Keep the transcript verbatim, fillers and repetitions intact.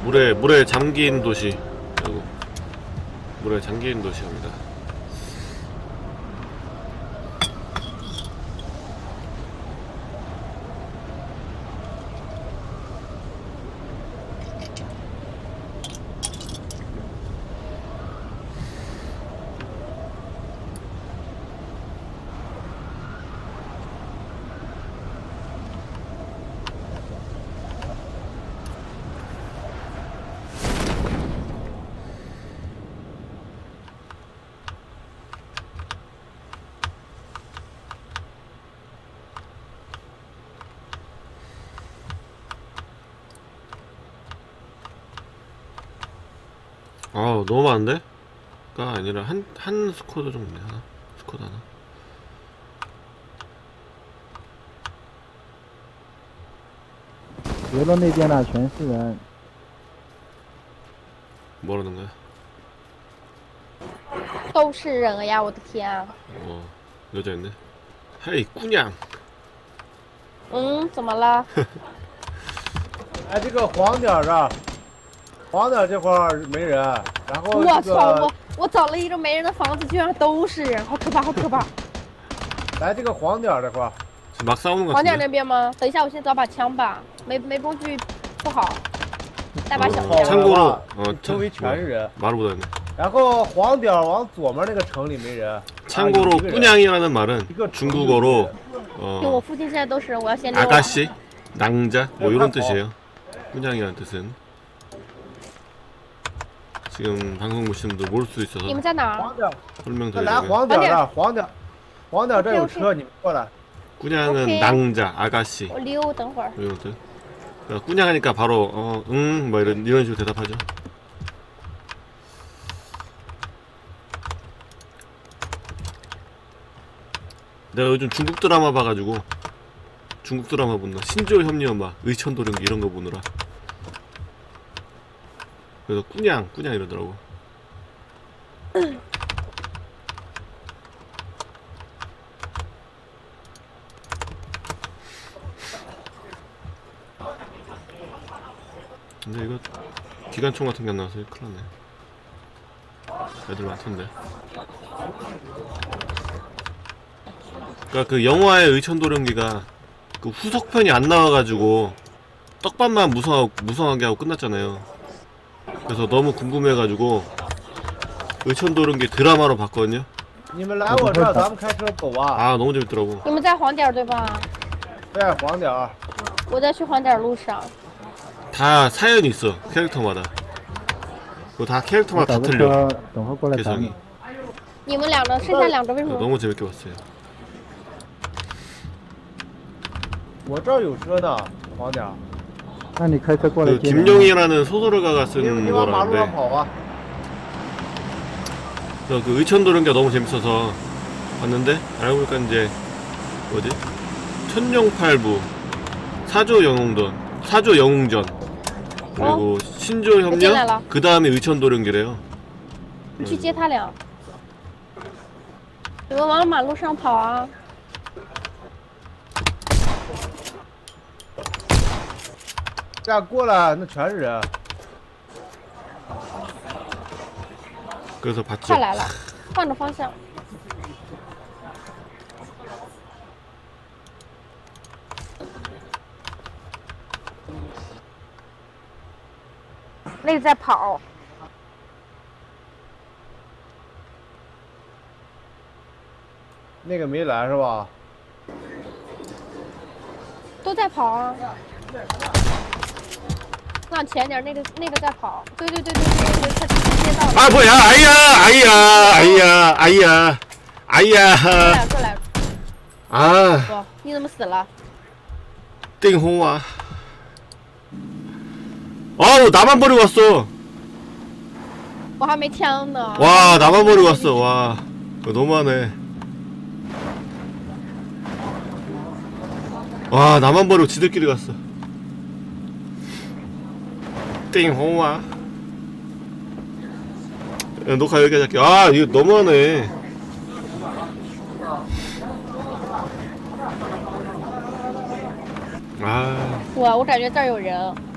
물에 물에 잠긴 도시. 아이고. 물에 잠긴 도시입니다. 아 너무 많은데? 가 아니라 한, 한 스쿼드 정도 있네. 하나? 스쿼드 하나? 游的那边呢全是人， 뭐라는 거야? 都是人呀！我的天啊！ 어 여자였네. 헤이 꾸냥. 嗯，怎么了？ 哎，这个黄点儿啊，黄点儿这块儿没人，然后我这操！ 个我我找了一个没人的房子，居然都是人，好可怕，好可怕！ 来这个黄点儿这块儿， 지금 막 싸우는 것 黄点 같은데? 那边吗？等一下，我先找把枪吧，没没工具不好，带把小好 어, 枪。 참고로 了 어 周围全是人。 말을 못하네. 然后黄点儿往左面那个城里没人。 참고로 啊有一个人 꾸냥이라는 말은 이거 중국어로 就我 어 附近现在都是人，我要先溜了。 아가씨, 낭자 뭐 이런 뜻이에요. 꾸냥이라는 뜻은. 지금 방송 보시는 분들 모를 수도 있어서 你们在哪儿？ 黄点儿，那来 설명드리자면 黄点儿这儿，黄点儿，黄点儿这儿有 OK，OK 车，你们过来。 꾸냥은 오케이. 낭자, 아가씨 我溜，等会儿。 뭐 이런 뜻. 그러니까 꾸냥하니까 바로 어, 응, 뭐 이런 이런 식으로 대답하죠. 내가 요즘 중국 드라마 봐가지고 중국 드라마 보느라 신조 협력 막 의천도령 이런 거 보느라 그래서 꾸냥 꾸냥 이러더라고. 근데 이거 기관총 같은 게 안 나와서 큰일 났네. 애들 많던데. 그러니까 그 영화의 의천도령기가 그 후속편이 안 나와가지고 떡밥만 무성 무성하게 하고 끝났잖아요. 그래서 너무 궁금해가지고 의천도령기 드라마로 봤거든요. 你们来我这儿，咱们开车走啊。 아 너무 재밌더라고. 你们在黄点儿对吧？ 对，黄点儿。 我在去黄点儿路上。 다 사연이 있어 캐릭터마다. 그거 다 我 캐릭터마다 找 다 个 틀려. 车，等会儿过来找 개성이. 你。 你们两个，剩下两个为什么？ 너무 재밌게 봤어요. 我这儿有车呢，黄点儿。 那你开车过来 그 接人。 김용이라는 소설가가 你 쓴 你往马路上 거라는데 跑啊。 그래서 그 의천도령기가 너무 재밌어서 봤는데 알고 보니까 이제 뭐지? 천룡팔부, 사조 영웅전, 사조 영웅전 그리고 신조 협력 그 다음에 의천도령기래요. 你去接他俩。你们往马路上跑啊！ 这样过来，那全是人。 그래서 봤죠. 快来了，换个方向。那个在跑， 那个没来是吧？ 都在跑啊！往前点，那个那个在跑。对对对对对对，他直接接到了。 아 뭐야 아이야 아이야 아이야 아이야 过 아이야 来过来， 아 不，你怎么死了？ 띵홍아 아우 나만 버리고 왔어. 我还没枪呢。 와 나만 버리고 왔어. 와 이거 너무하네. 와 나만 버리고 지들끼리 갔어. 띵홍아 야, 녹화 여기까지 할게. 아 이거 너무하네. 아 我我感觉这儿有人。